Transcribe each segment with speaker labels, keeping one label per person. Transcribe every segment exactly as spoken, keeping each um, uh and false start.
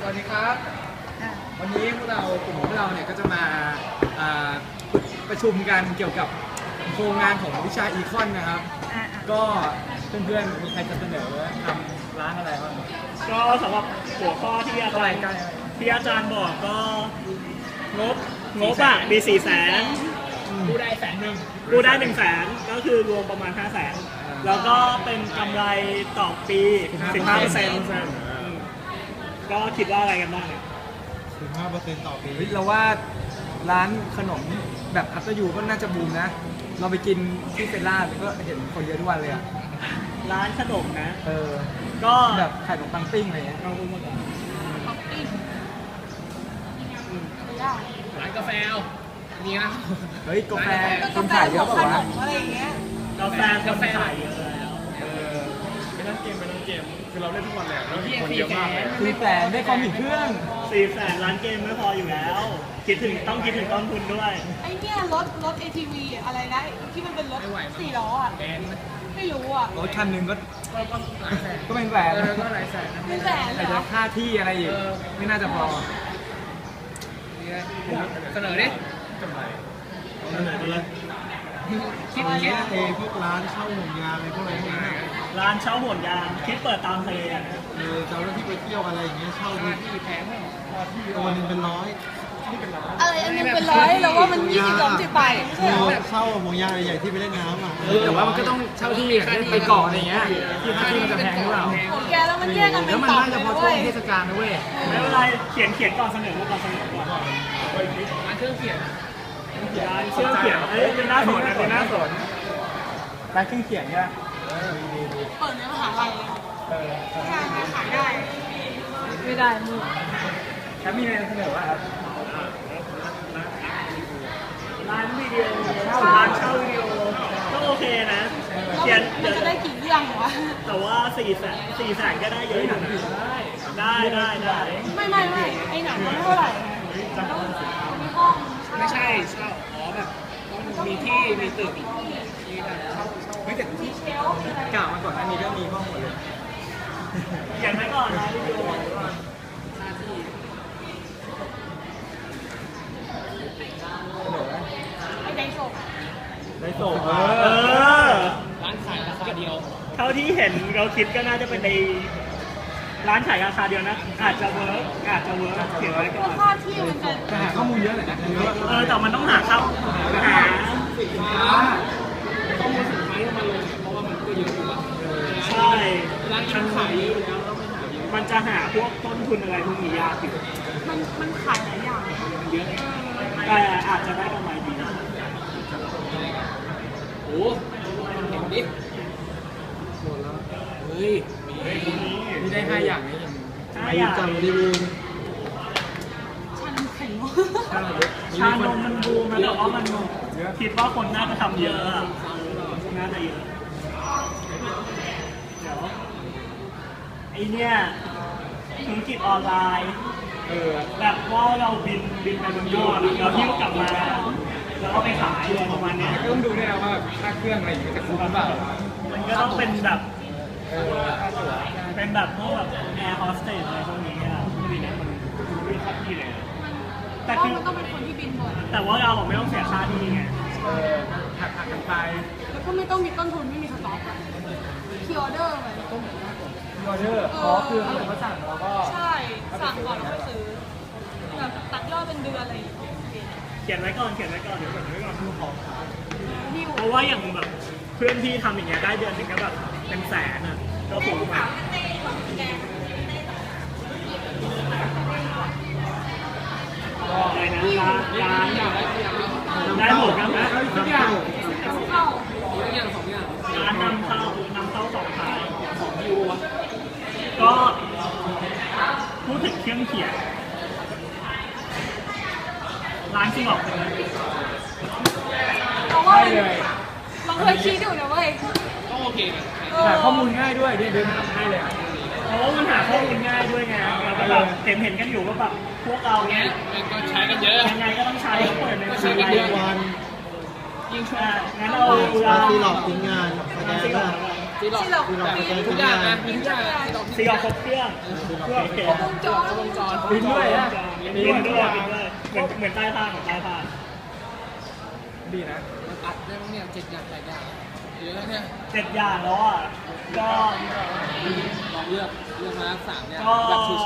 Speaker 1: วัสดีครับวันนี้พวกเรากลุ่มพวกเราเนี่ยก็จะมาประชุมกันเกี่ยวกับโครงงานของวิชาอีคอนนะครับก็เพื่อนๆมีใครจะเสนอทำร้านอะไรบ้าง
Speaker 2: ก็สำหรับหัวข้อที่อาจารย์ที่อาจารย์บอกก็งบงบอะมีสี่แสน
Speaker 1: กูได้แสนหนึ่ง
Speaker 2: กูได้หนึ่งแสนก็คือรวมประมาณห้าแสนแล้วก็เป็นกำไรต่อปีสิบห้าเปอร์เซ็นต์ก็คิดว่าอะไรกันบ้างเนี่ย
Speaker 3: สิบห้าเปอร์เซ็นต์ต่อปี
Speaker 1: เราว่าร้านขนมแบบอัตยูก็น่าจะบูมนะเราไปกินที่เซนล่าก็เห็นคนเยอะทุกวันเลยอะ
Speaker 2: ร้านขนมนะ
Speaker 1: เออก็แบบขายขนมปังปิ้งอะไรเงี้ย
Speaker 2: เราพูดมาก่อน
Speaker 4: ปังปิ้ง
Speaker 1: ร้านกาแฟมีนะเฮ้ยกาแฟคนขายเยอะป่าววะ
Speaker 4: อะไรอย่างเงี้ย
Speaker 2: กาแฟกาแฟขายเยอะแล้ว
Speaker 3: เออไปนั่งเกมไปนั่งเกมคือเราเล่นทุกวันแหละแล้วคนเยอะมากเลย
Speaker 1: สี่แสนได้คอมพิวเครื่อง
Speaker 2: สี่แสนร้านเกมไม่พออยู่แล้วคิดถึงต้องคิดถึงต้นทุนด้วย
Speaker 4: ไอ้เนี่ยรถรถ เอ ที วี อะไรนะที่มันเป็นรถสี่ล้ออ่ะไม่รู้อ่ะ
Speaker 1: รถคันหนึ่งก็ก็เป็นแสน
Speaker 4: ก็หลายแสนเป็นแสนเลย
Speaker 1: แต่ค่าที่อะไรอีกไม่น่าจะพอเสนอดิ
Speaker 3: กำไรเสนอเลยคิดคิดเอพวกร้านเช่าห่วงยางอะไรพวกอะไรพวกนี้
Speaker 2: ร้านเช่าห่วงยางคิดเปิดตามเพลง
Speaker 3: เออเจ้าหน้าที่ไปเที่ยวอะไรอย่างเงี้ยเช่าที่แพงตัวนึงเป็นร้อย
Speaker 4: อะไรอันนึงเป็นร้อยแล้วว่ามันยี่สิบสองสิบไป
Speaker 3: ใช่ไหมเช่าห่วงยางใหญ่ที่ไปเล่นน้ำอ่ะ
Speaker 1: แต่ว่ามันก็ต้องเช่าที่ไปเกาะอะไรเงี้ยที่ที่มันจะแพงหรือเปล่า
Speaker 4: แกแล้วมันแยกกันเป็น
Speaker 1: แล้วมันน่าจะพอช่วงเทศกาลนะเว้ย
Speaker 2: ไม่เป็นไรเขียนเขียนก่อนเสนอก่อนเสนอก่อน
Speaker 1: ร้านเครื่องเขียน
Speaker 2: ร้านเครื่องเขียนเอ้ยเป็นหน้าสนเป็นหน้าสน
Speaker 1: ร้านเครื่องเขียนใช่ไหม
Speaker 4: เปิดในมหาลัยใช่ขายได้ไม่ได้มึง
Speaker 1: แล้วมีอะไรเสนอว่าครับ
Speaker 2: ร้านวิดีโอร้านเช่าวิดีโอก็โอเคนะ
Speaker 4: เขียนมันจะได้กี่เรื่องวะ
Speaker 2: แต่ว่าสี่แสนสี่แสนก็ได้เยอะอยู่ได้ได้ได้
Speaker 4: ไม่ไม่ไม่ไอ้หนังมันเท่าไหร่มีห้อง
Speaker 1: ไม่ใช่เช่าอ๋อแบบต้องมีที่มีตึกมีแบบเช่าเช่าไม่แต่ที่กล่าวมาก่อนหน้านี้ก็มีห้องหมดเลย
Speaker 2: เขียนไว้ก่อนนะวิดีโอ
Speaker 4: ได้ส่ง
Speaker 2: ได้ส่งเออ
Speaker 1: ร้านขายราคาเดียว
Speaker 2: เท่าที่เห็นเราคิดก็น่าจะเป็นในร้านขายราคาเดียวนะอาจจะเวิร์กอาจจะเวิร์กเขียนไว้ก่อน
Speaker 4: ค่าที่มัน
Speaker 1: จะหาข้อมูลเยอะเลยนะเยอะ
Speaker 2: เออแต่มันต้องหาเข้าหา
Speaker 1: สินค้าข้อมูลสินค้าที่มาลงเพราะว่ามันก็เยอะอยู่แล้ว
Speaker 2: ใช่
Speaker 1: ร้านที่ขายเยอะแล้ว
Speaker 2: มันจะหาพวกต้นทุนอะไรพวกนี้ยากอยู่
Speaker 4: มันมันขายหลายอย่าง
Speaker 1: เยอะ
Speaker 2: แต่อาจจะได้กำไรดีนะ
Speaker 1: โอ้เห็นดิหมดแล้วเฮ้ยมีได้ห้าอย่างนี้
Speaker 2: ห้าอย่าง
Speaker 3: จำรีวิว
Speaker 4: ชานมไข่มุก
Speaker 2: ชานมมันบูมนะแต่ว่ามันคิดว่าคนน่าจะทำเยอะน่าจะเยอะเดี๋ยวไอเนี้ยธุรกิจออนไลน์
Speaker 1: เออ
Speaker 2: แบบว่าเราบินบินไปบนยอดแล้วหิ้วกลับมาแล้วก็ไปขายอะไรประมาณนี้
Speaker 1: ก็ต้องดูด้วยนะว่าค่าเครื่องอะไรอย่างเงี้ยจะคุ้มหรือเปล่า
Speaker 2: มันก็ต้องเป็นแบบเป็นแบบพวกแบบแอร์โฮสเตสอะไรพวกนี้อ่ะไม่ได้มันไม่ค่าที่เลย
Speaker 4: แต่คือมันต้องเป็นคนที่บินบ่อย
Speaker 2: แต่ว่าเราไม่ต้องเสียค่าที่ไง
Speaker 1: เออหักหักกันไป
Speaker 4: แล้วก็ไม่ต้องมีต้นทุนไม่มีสต็อกคีย์ออเดอร์ไป
Speaker 1: ออเดอร์อ๋อคือเขาสั่งเราก็
Speaker 4: ใช่สั่งก่อนแล้วก็ซื้อแบบตัดยอดเป็นเดือนอะไรอย่างเงี้ย
Speaker 2: เขียนไว้ก่อนเขียนไว้ก่อนเดี๋ยวเขียนไว้ก่อนคือของเพราะว่าอย่างแบบเพื่อนพี่ทำอย่างเงี้ยได้เดือนนึงก็แบบเป็นแสนอ่ะก็ถูกมากอะไรนะร้านร้านได้หมดครับนะ
Speaker 1: ทุกอย่าง
Speaker 4: เข้า
Speaker 1: ทุกอย่างสองอย่าง
Speaker 2: ร้านนำเข้านำเข้าสองขายสองยูก็พูดถึงเครื่องเขียนร้านจริงหรอ
Speaker 4: เพราะว่าเราเคยคิดอยู่นะเว้ย
Speaker 1: ก็โอเคหาข้อมูลง่ายด้วยเดินเดินทำให้เลย
Speaker 2: เพราะว่ามันหาข้อมูลง่ายด้วยไงแล้วก็แบบเห็นเห็นกันอยู่ว่าแบบพวกเราเนี้ย
Speaker 1: ก็ใช้กันเยอะ
Speaker 2: ยังไงก็ต้องใช้เปิดใน
Speaker 1: ใช้กันเยอะ
Speaker 3: วัน
Speaker 2: ยิ่งช่วยงั้นเรา
Speaker 3: ซีหลอกทิ้งงานแสดงว่า
Speaker 1: ซีหลอกทุกอย่างนะมีทุกอย่าง
Speaker 2: ซีหลอกครบเครื่อง
Speaker 4: ครบวงจร
Speaker 1: วงจรบินด้วยนะ
Speaker 2: บินด้วยบินด้วยเหมือนเหมือนใต้ผ้าของใต้ผ้า
Speaker 1: ดีนะ
Speaker 3: มันอัดได้มั้งเนี่ยเจ็ดอย่างแปดอย่างเยอะแล้วเนี่ย
Speaker 2: เจ็ดอย่างแล้วอ่ะก็
Speaker 3: ลองเลือกเลือกมาสามเนี่ย
Speaker 2: ก็
Speaker 3: แบบชิว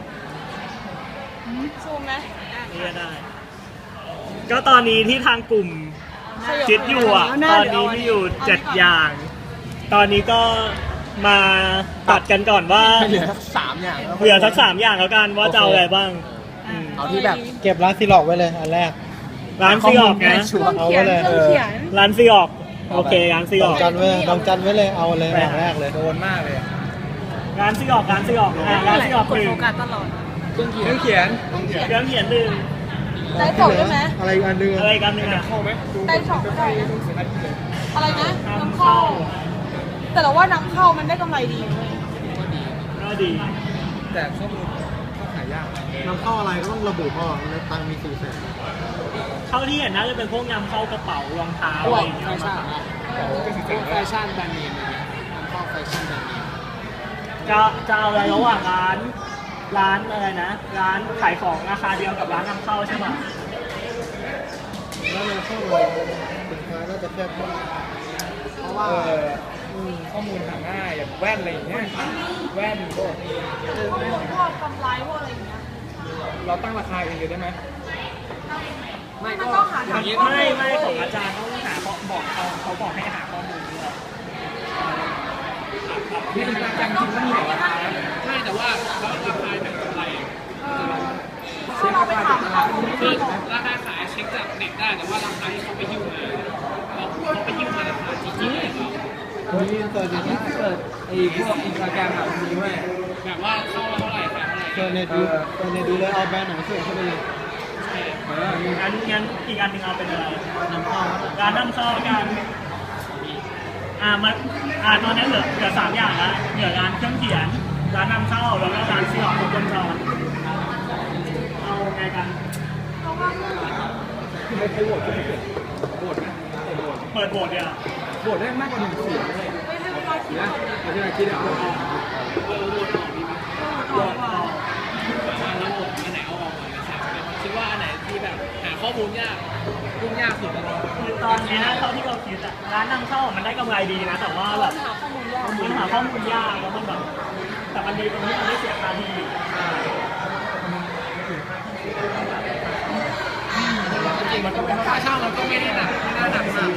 Speaker 4: ซูมไหมอ่ะ
Speaker 2: นี่ก็ได้ ก็ตอนนี้ที่ทางกลุ่มคิดอยู่อ่ะ ตอนนี้มีอยู่เจ็ดอย่าง ตอนนี้ก็มาตัดกันก่อนว่า
Speaker 3: ๆเหลือสักสามอย่างแล้ว
Speaker 2: เหลือสักสามอย่างแล้วกันว่าจะเอาอะไรบ้างอืม
Speaker 3: เอาที่แบบ
Speaker 5: เก็บร้านซีล็อกไว้เลยอันแรก
Speaker 2: ร้านซีออกนะ
Speaker 4: เครื่องเขียนเครื่องเขียน
Speaker 2: ร้านซีออกโอเคร้านซี
Speaker 5: ด
Speaker 2: อ
Speaker 5: อ
Speaker 2: อง ก
Speaker 5: จันไว้ดองจันไว้เลยเอาเลยอย่างแรกเลย
Speaker 1: โดนมากเลย
Speaker 2: ร้านซีออกร้านซีออกอ่ะร้านซีออก
Speaker 4: กด
Speaker 2: หนึ่
Speaker 4: โฟ
Speaker 2: ง
Speaker 4: กัสตลอด
Speaker 3: เครื่องเขี
Speaker 1: เค
Speaker 3: ยน
Speaker 1: รื่องเขียน
Speaker 2: เครื่องเขียนหนึ่ง
Speaker 4: ได้สองได้ไหม
Speaker 5: อะไรอีกอันหนึง
Speaker 2: อะไร
Speaker 5: อะ
Speaker 2: กันหนึ่งอ่ะ
Speaker 1: เข้าไหมดู
Speaker 4: ได้สองก็ได้นะอะไรนะน้ำ
Speaker 2: เข้า
Speaker 4: เข้า แต่เราว่าน้ำเข้ามันได้กำไรดีเลย
Speaker 2: ก็ดี
Speaker 1: แต่ข้อมูลเข้าขายยาก
Speaker 5: นำเข้าอะไรก็ต้องระบุพ่อแล้วตังค์มีสี่แสน
Speaker 2: เข้าที่เห็นน่าจะเป็นพวกนำเข้ากระเป๋ารองเท้า
Speaker 3: พ
Speaker 2: อะ
Speaker 3: ว
Speaker 2: ไร
Speaker 3: ก
Speaker 2: อย่างเงี้ย
Speaker 3: แฟชั่นนะพวกแฟชั่นแบรนด์เนมอะไรเงี้ยนำเข้าแฟชั่นแบรนด์เนม
Speaker 2: จะจะเอาอะไรระหว่างร้านร้านอะไรนะ ร้านขายของราคาเดียวกับร้านนำเข้าใช่ไหม
Speaker 5: แล้วนำเข้าเลยสินค้าน่าจะแคบมาก
Speaker 3: เพราะว่า
Speaker 1: เออข้อมูลหาง่ายอย่างแว่นอะไรอย่างเงี้ยแว่นพวก
Speaker 4: พวกกำไรพวกอะไรอย่างเงี้ย
Speaker 1: เราตั้งราคาเองเลยได้ไหม
Speaker 3: ไม่
Speaker 4: มัน
Speaker 3: ก็
Speaker 4: ต้องหา
Speaker 3: อ
Speaker 4: ทา
Speaker 3: ย่าง งนี้
Speaker 4: ข้อ
Speaker 2: ไม่
Speaker 4: มูล
Speaker 2: ไม่ของอาจารย์เขาหาเขาบอกเขาเขาบอกให้หาข้อมูลด้วย
Speaker 1: นี่เป็นการจำจริงต้องมีราคานะ
Speaker 3: ใช่แต่ว่าแล้วราคาแบบกำไร
Speaker 4: ถ้าเราไปถามข้อมูล
Speaker 3: คือราคาขายเช็คจากเน็ตได้แต่ว่าราคาที่เขาไปหิ้วมาเขาเขาไปหิ้วมาราคาจริงๆเลยเขา
Speaker 5: นี่เสิร์ชดิ
Speaker 1: เปิดไอ้พวกอินสตาแกรมแบบนี้ด้วย
Speaker 3: แบบว่าเข้ามาเท่าไหร่ขายเท่าไหร่
Speaker 5: เสิร์ชเน็ตดูเสิร์ชเน็ตดูเลยเอาแบรนด์ไหนเสิร์ชเข้าไปเลย
Speaker 1: เออ
Speaker 2: งั้นงั้นอีกอันหนึ่งเอาเป็นอะไร
Speaker 5: นำเข้า
Speaker 2: ร้านนำเข้ากันอ่ามันอ่าตอนนี้เหลือเหลือสามอย่างแล้วเหลือร้านเครื่องเขียน ร้านนำเข้าแล้วก็ร้านซีออกครบวงจรเอาไงกัน
Speaker 4: เพราะว่า
Speaker 1: คือไม่เคยโหวตก็ไม่เกิดโหวตไหมโหวต
Speaker 2: เปิดโบสถ์เนี่ย
Speaker 1: โหวตได้มากกว่าหนึ่งเสียงเลย
Speaker 4: ไม่ให้เวลาคิด
Speaker 1: นะเอาที่เราคิดเอา
Speaker 4: ก่อนว่า
Speaker 3: แล้วหมดอันไหนเอาออกก่อนนะครับคิดว่าอันไหนที่แบบหาข้อมูลยากยุ่งยากสุดแล้ว
Speaker 2: คือตอนนี้เท่าที่เราคิดอะร้านนำเข้ามันได้กำไรดีนะ แต่ว่าแบบ
Speaker 4: หาข้อมูลยาก
Speaker 2: มันหาข้อมูลยากแล้วมันแบบแต่มันดีตรงที่มันไม่เสียค่าที่
Speaker 3: จริงมันก็เป็นค่าเช่ามันก็ไม่ได้หนักไม่น่าหนักมาก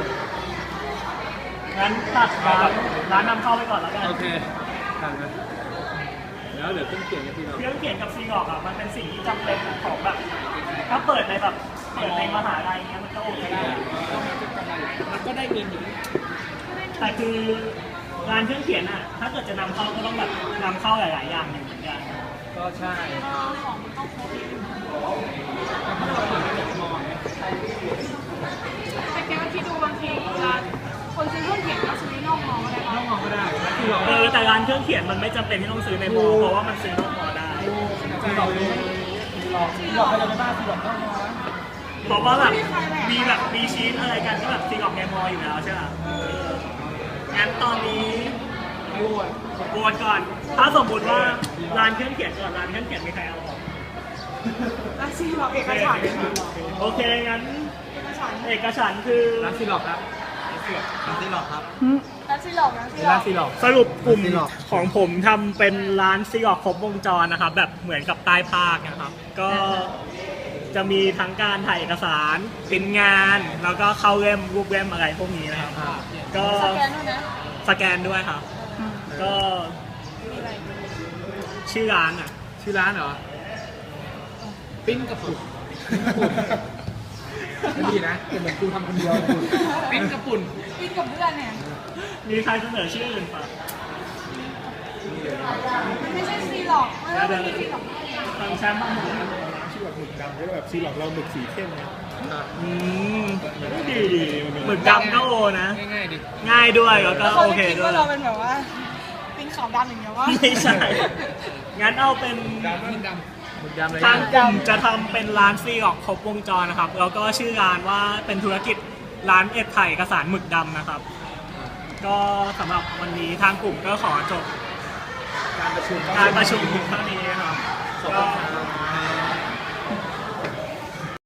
Speaker 2: งั้นตัดร้านร้านนำเข้าไปก่อนแล้วกัน
Speaker 1: โอเคทำนะแล้วเดี๋ยวเครื่องเขียนกันทีเรา
Speaker 2: เครื่องเขียนกับซีออกอะมันเป็นสิ่งที่จำเป็นของแบบถ้าเปิดในแบบเปิดในมหาลัยเงี้ยมันก็โอเคได้
Speaker 3: มันก็ได้เงินอยู่
Speaker 2: แต่คือร้านเครื่องเขียนอะถ้าเกิดจะนำเข้าก็ต้องแบบนำเข้าหลาย ๆ อย่างอยู่เหมือนกัน
Speaker 1: ก็ใช่
Speaker 4: ของมันต้องครบแต่แกก็คิดดูบางทีร้านคนซื้อเครื่องเขียนก็ซื้อนอกมอก็ได้
Speaker 1: ต้องมองก็ได้คือเรา
Speaker 2: เออแต่ร้านเครื่องเขียนมันไม่จำเป็นที่ต้องซื้อในมอเพราะว่ามันซื้อนอกมอได้
Speaker 1: คือเราหลอกหลอกใครจะไปบ้าคือหลอกต้องมองนะ
Speaker 2: เพราะว่าแบบมีแบบมีชีสอะไรกันก็แบบซีออกในมออยู่แล้วใช่ไหมงั้นตอนนี้
Speaker 1: ไม่โหวต
Speaker 2: โหวตก่อน ถ้าสมมติว่าร้านเครื่องเขียนก่อนร้านเครื่องเขียนมีใครเอาออก
Speaker 4: แล้วซีหลอกเอกฉันท์
Speaker 2: โอเคงั้น
Speaker 4: เอกฉันท์
Speaker 2: เอกฉันท์คือ
Speaker 1: ร้านซีหลอกครับ
Speaker 5: ร้านซีล็อกครับ
Speaker 4: แล้วซีหลอกนะซีหล
Speaker 1: ร้า
Speaker 4: อน ก
Speaker 1: ซีหลอก
Speaker 2: สรุปกลุ่ม
Speaker 5: ซีออก
Speaker 2: ของผมทำเป็นร้านซีออกครบวงจรนะครับ แบบเหมือนกับใต้ภาคนะครับ ก็จะมีทั้งการถ่ายเอกสารปริ้นงาน แล้วก็เข้าเล่มรูปเล่มอะไรพวกนี้นะครับ ก็
Speaker 4: สแกนด้วยนะ
Speaker 2: สแกนด้วยครับ ก็ชื่อร้านอ่ะ
Speaker 1: ชื่อร้านเหรอ
Speaker 3: ปิ้นกระปุก
Speaker 1: ไม่ดีนะแต่เหมือนกูทำคนเดียวเลย
Speaker 3: ปิ้นกระปุ่น
Speaker 4: กินกับเพื่อนเนี่ย
Speaker 2: มีใครเสนอชื่ออื่นปะ
Speaker 4: มันไม่ใช่ซีหลอกไม่ใช่ซีหลอก
Speaker 2: ทางแชมป์บ้างไหม
Speaker 5: ชื่อแบบหมึกดำก็แบบซีล็อกเราหมึกสีเข้มไง
Speaker 2: อืมดีดีหมึกดำก็โอนะ
Speaker 3: ง่ายๆดิ
Speaker 2: ง่ายด้วยแล้วก็
Speaker 4: เขา
Speaker 2: โอ
Speaker 4: จะ
Speaker 2: เค
Speaker 4: คิด
Speaker 2: ด้ว
Speaker 4: ว่าย เราเป็นแบบว่าปิ้งขาวดำอย่างเงี้ยว่า
Speaker 2: ไม่ใช่ งั้นเอาเป็น
Speaker 3: ปิ้นด
Speaker 1: หมึกยำเลย
Speaker 2: ทางกลุ่มจะทำเป็นร้านซีออกครบวงจรนะครับ แล้วก็ชื่อร้านว่าเป็นธุรกิจร้านเอ็ดไถ่เอกสารหมึกดำนะครับ ก็สำหรับวันนี้ทางกลุ่มก็ขอจบ
Speaker 1: การประชุม
Speaker 2: การประชุมเท่านี้นะครับก็